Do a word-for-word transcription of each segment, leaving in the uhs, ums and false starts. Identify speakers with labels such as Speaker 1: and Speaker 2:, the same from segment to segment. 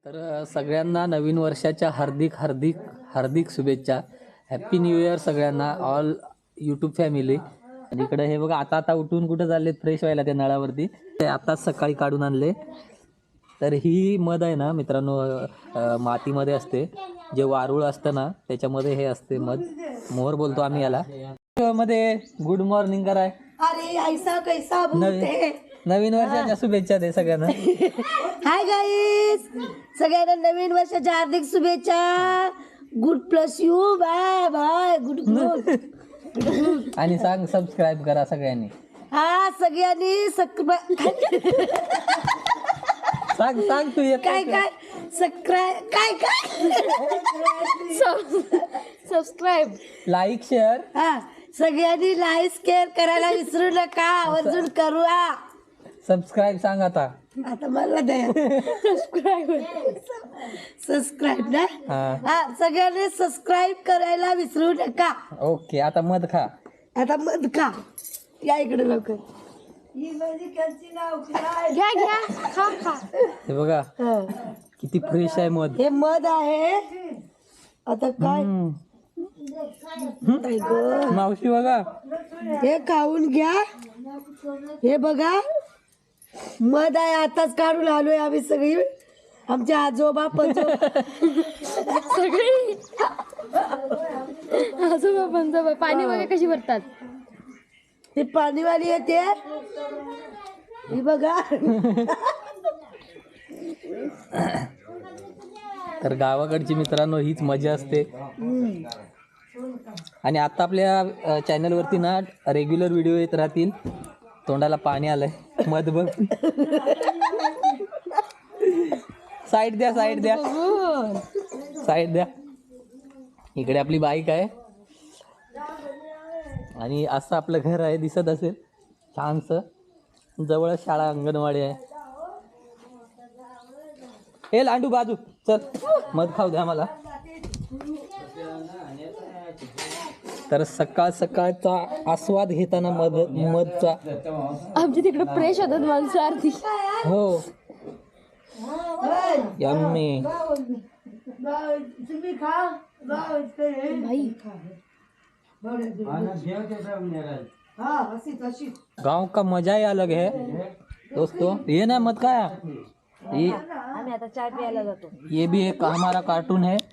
Speaker 1: तर सगळ्यांना नवीन वर्षाच्या हार्दिक हार्दिक हार्दिक शुभेच्छा. हॅप्पी न्यू इयर सगळ्यांना, ऑल यूट्यूब फॅमिली. आणि इकडे हे बघा, आता आता उठून कुठं चालले फ्रेश व्हायला त्या नळावरती, ते आताच सकाळी काढून आणले. तर ही मध आहे ना मित्रांनो, मातीमध्ये असते, जे वारूळ असतं ना त्याच्यामध्ये हे असते मध. मोहर बोलतो आम्ही याला. मध्ये गुड मॉर्निंग कराय.
Speaker 2: अरे ऐसा कैसा बोलते.
Speaker 1: नवीन वर्षाच्या शुभेच्छा दे सगळ्यांना.
Speaker 2: हाय गाईस, सगळ्यांना नवीन वर्षाच्या हार्दिक शुभेच्छा. God bless you. Bye bye. Good good.
Speaker 1: आणि सांग सबस्क्राईब करा सगळ्यांनी.
Speaker 2: हा सगळ्यांनी
Speaker 1: सांग सांग तू येत
Speaker 2: काय काय सबस्क्राईब काय काय सबस्क्राईब
Speaker 1: लाईक शेअर.
Speaker 2: हा सगळ्यांनी लाईक शेअर करायला विसरू नका. आवर्जून करूया.
Speaker 1: सबस्क्राईब सांग आता.
Speaker 2: आता मला द्या सबस्क्राईब. सबस्क्राईब ना. हा सगळ्यांनी सबस्क्राईब करायला विसरू नका.
Speaker 1: ओके, आता मध खा.
Speaker 2: आता मध खा. या इकडे लवकर. घ्या घ्या खा खा.
Speaker 1: हे बघा किती फ्रेश आहे मध.
Speaker 2: हे मध आहे. आता काय नाही ग.
Speaker 1: मावशी बघा,
Speaker 2: हे खाऊन घ्या. हे बघा मध आहे. आताच काढून आलोय आम्ही सगळी. आमचे आजोबा पंजोबा
Speaker 3: सगळी आजोबा पंजोबा. पाणी बघा कशी भरतात.
Speaker 2: ते पाणीवाली येते. ही बघा.
Speaker 1: तर गावाकडची मित्रांनो हीच मजा असते. आणि आता आपल्या चॅनलवरती ना रेग्युलर व्हिडिओ येत राहतील. तोंडाला पाणी आलंय. मध बघ. साईड द्या साईड द्या साईड द्या. इकडे आपली बाईक आहे आणि असं आपलं घर आहे. दिसत असेल छानसं. जवळ शाळा अंगणवाडी आहे. हे लांडू बाजू चल, मध खाऊ द्या मला. तर सकाळ सकाळचा आस्वाद घेताना मध मधचा.
Speaker 3: आमच्या तिकडे फ्रेश होतात माणसं आरती.
Speaker 1: हो यम्मी.
Speaker 2: तुम्ही खा.
Speaker 3: भाई
Speaker 1: गांव का मजा ही अलग है दोस्तों. ये ना मत खाया. ये
Speaker 2: आम्ही आता चाय प्यायला जातो.
Speaker 1: ये भी एक हमारा कार्टून है.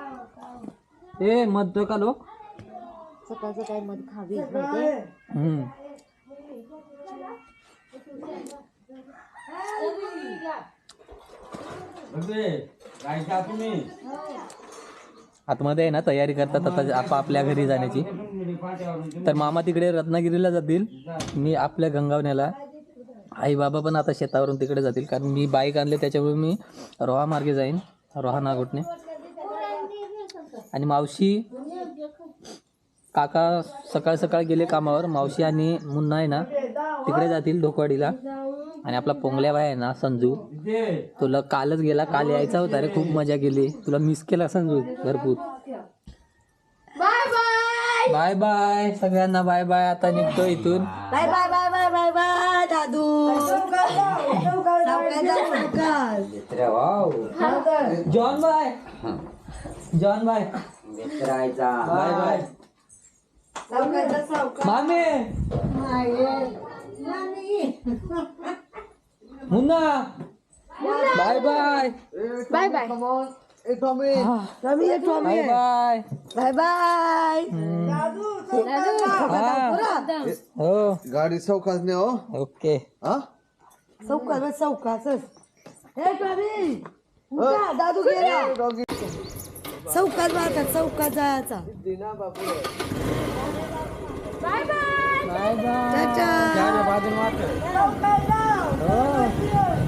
Speaker 1: ए मत का लो.
Speaker 2: सकाळचं काय मध खावी.
Speaker 1: हम्म. आतमध्ये आहे ना तयारी करतात आता आपापल्या घरी जाण्याची. तर मामा तिकडे रत्नागिरीला जातील, मी आपल्या गंगावण्याला. आई बाबा पण आता शेतावरून तिकडे जातील, कारण मी बाईक आणले त्याच्यामुळे मी रोहा मार्गे जाईन, रोहा नागोटने. आणि मावशी काका सकाळ सकाळ गेले कामावर. मावशी आणि मुन्ना आहे ना तिकडे जातील ढोकवाडीला. आणि आपला पोंगल्या बाय आहे ना संजू, तुला कालच गेला. काल यायचा होता रे, खूप मजा केली. तुला मिस केला संजू भरपूर.
Speaker 3: बाय बाय
Speaker 1: बाय बाय सगळ्यांना. Bye bye. आता निघतो इथून.
Speaker 2: Bye bye bye bye bye bye दादू.
Speaker 1: John bye. John bye. Bye bye मामे. Munna bye bye.
Speaker 3: Bye bye.
Speaker 2: Tommy Tommy
Speaker 1: bye bye.
Speaker 2: Bye bye.
Speaker 1: हो
Speaker 4: गाडी सौकास ने हो.
Speaker 1: ओके.
Speaker 4: हा
Speaker 2: चौकास चौकास. हे टॉमी उठा, दादू गेला. चौकात मारतात. चौकात जायचा.
Speaker 3: Bye bye.
Speaker 1: Bye bye.
Speaker 2: Tata.
Speaker 1: बाजून वाटत.